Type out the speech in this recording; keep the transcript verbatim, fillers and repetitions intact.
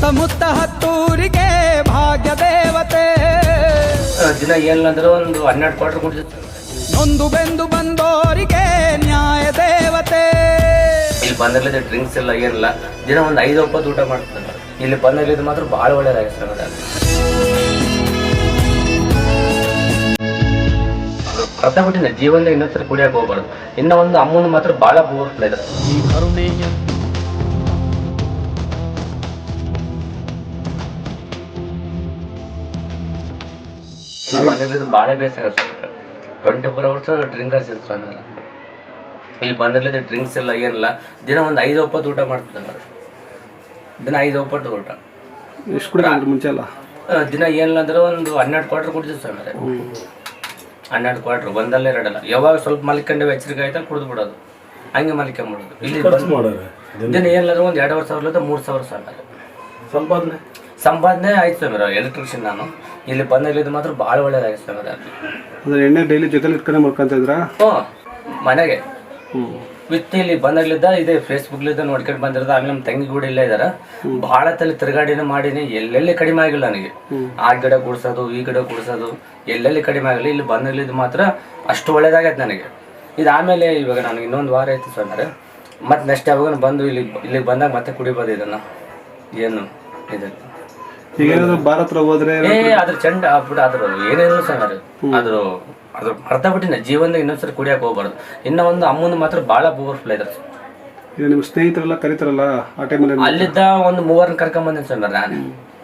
ಸುತ್ತಮುತ್ತ ಹತ್ತೂರಿಗೆ ಭಾಗ್ಯ ದೇವತೆ. ದಿನ ಏನಿಲ್ಲ ಒಂದು ಹನ್ನೆರಡು ಕ್ವಾರ್ಟರ್ ಕುಡಿಸುತ್ತೆ. ನೊಂದು ಬೆಂದು ಬಂದೋರಿಗೆ ನ್ಯಾಯ ದೇವತೆ. ಇಲ್ಲಿ ಬಂದಿರಲಿದ್ದ ಡ್ರಿಂಕ್ಸ್ ಎಲ್ಲ ಏನಿಲ್ಲ, ದಿನ ಒಂದು ಐದು ಒಪ್ಪತ್ತು ಊಟ ಮಾಡ್ತಾರೆ. ಇಲ್ಲಿ ಬಂದಿರಲಿದ್ದು ಮಾತ್ರ ಭಾಳ ಒಳ್ಳೇದಾಗಿದೆ ಸರ್. ಅರ್ಥ ಬಿಟ್ಟಿನ ಜೀವನದ ಇನ್ನೊಂದ್ಸಲ ಕುಡಿಯಕ್ಕೆ ಹೋಗ್ಬಾರ್ದು. ಇನ್ನ ಒಂದು ಅಮ್ಮನ ಮಾತ್ರ ಭಾಳ ಪವರ್ಫುಲ್ ಇದೆ. ಈ ಕರುಣೆಯ ಬಂದಿರಲಿದ್ದು ಭಾಳ ಬೇಸರ sir. Twenty four hours drinkers ಇರ್ತಾರೆ. ಇಲ್ಲಿ ಬಂದಿರಲಿದ್ದ ಡ್ರಿಂಕ್ಸ್ ಎಲ್ಲ ಏನಿಲ್ಲ, ದಿನ ಒಂದು ಐದು ಒಪ್ಪತ್ತು ಊಟ ಮಾಡ್ತಾರೆ. ದಿನ ಐದು ಒಪ್ಪತ್ತು ಊಟ. ಎಷ್ಟು ಕುಡಿದ್ರೆ ಮುಂಚೆ ಅಲ್ಲ, ದಿನ ಏನಿಲ್ಲ ಅಂದ್ರೆ ಒಂದು ಹನ್ನೆರಡು ಕ್ವಾರ್ಟರ್ ಕುಡಿದ್ವಿ ಸರ್. ಮೇಲೆ ಹನ್ನೆರಡು ಕ್ವಾರ್ಟರ್ ಒಂದಲ್ಲ ಎರಡಲ್ಲ. ಯಾವಾಗ ಸ್ವಲ್ಪ ಮಲ್ಕೊಂಡೆ ಎಚ್ಚರಿಕೆ ಆಯ್ತಾ ಕುಡಿದು ಬಿಡೋದು, ಹಂಗೆ ಮಲ್ಕೊಂಬಿಡೋದು. ಇಲ್ಲಿ ದಿನ ಏನಿಲ್ಲ ಒಂದು ಎರಡು ವರ್ಷ ಸಾವಿರ ಮೂರು ಸಾವಿರ ಸರ್ ಸಂಪಾದನೆ ಸಂಪಾದನೆ ಆಯ್ತು ಸರ್. ಎಲೆಕ್ಟ್ರಿಷಿಯನ್ ನಾನು. ಇಲ್ಲಿ ಬಂದಿದ್ದು ಮಾತ್ರ ಭಾಳ ಒಳ್ಳೇದಾಗಿದೆ ಸರ್. ಅಂದ್ರೆ ಎಣ್ಣೆ ಡೈಲಿ ಜೊತೆಲಿ ಇಟ್ಕೊಂಡೆ ಮಾಡ್ಕೊಂತ ಇದ್ರಾ? ಹ್ಞೂ, ಮನೆಗೆ ಹ್ಞೂ ವಿತ್ ಇಲ್ಲಿ ಬಂದಾಗ್ಲಿದ್ದ ಇದೆ ಫೇಸ್ಬುಕ್ಲಿದ್ದ ನೋಡ್ಕೊಂಡು ಬಂದಿರೋದು. ಆಮೇಲೆ ನಮ್ಮ ತಂಗಿ ಕೂಡ ಇಲ್ಲೇ ಇದಾರೆ. ಭಾಳ ತಲೆ ತಿರುಗಾಡಿನ ಮಾಡೀನಿ, ಎಲ್ಲೆಲ್ಲಿ ಕಡಿಮೆ ಆಗಿಲ್ಲ ನನಗೆ. ಆ ಗಿಡ ಕುಡ್ಸೋದು ಈ ಗಿಡ ಕುಡ್ಸೋದು ಎಲ್ಲೆಲ್ಲಿ ಕಡಿಮೆ ಆಗಿಲ್ಲ. ಇಲ್ಲಿ ಬಂದಾಗ್ಲಿದ್ದು ಮಾತ್ರ ಅಷ್ಟು ಒಳ್ಳೇದಾಗೈತೆ ನನಗೆ. ಇದು ಆಮೇಲೆ ಇವಾಗ ನನಗೆ ಇನ್ನೊಂದು ವಾರ ಆಯ್ತು ಸರ್. ಮತ್ತೆ ನೆಕ್ಸ್ಟ್ ಯಾವಾಗ ಬಂದು ಇಲ್ಲಿ ಇಲ್ಲಿಗೆ ಬಂದಾಗ ಮತ್ತೆ ಕುಡಿಬೋದು ಇದನ್ನು. ಏನು ಇದು ಈಗ ಏನಾದ್ರು ಭಾರತ್ ಹೋದ್ರೆ ಏ ಅದ್ರ ಚಂಡ ಆಗ್ಬಿಟ್ಟು ಅದ್ರ ಏನೇನು ಸರ್. ಅದ್ರ ಅದ್ರ ಅರ್ಥ ಬಿಟ್ಟಿನ ಜೀವನದಾಗ ಇನ್ನೊಂದ್ಸರಿ ಕುಡಿಯಕ್ಕೆ ಹೋಗ್ಬಾರ್ದು. ಇನ್ನ ಒಂದು ಅಮ್ಮನ ಮಾತ್ರ ಭಾಳ ಪವರ್ಫುಲ್ ಇದೆ. ಈಗ ನಿಮ್ಮ ಸ್ನೇಹಿತರೆಲ್ಲ ಕರೀತಾರಲ್ಲ ಆ ಟೈಮಲ್ಲಿ ಅಲ್ಲಿದ್ದ ಒಂದು ಮೂವರನ್ನ ಕರ್ಕೊಂಡ್ ಬಂದೇನೆ ಸರ್ ನಾನು.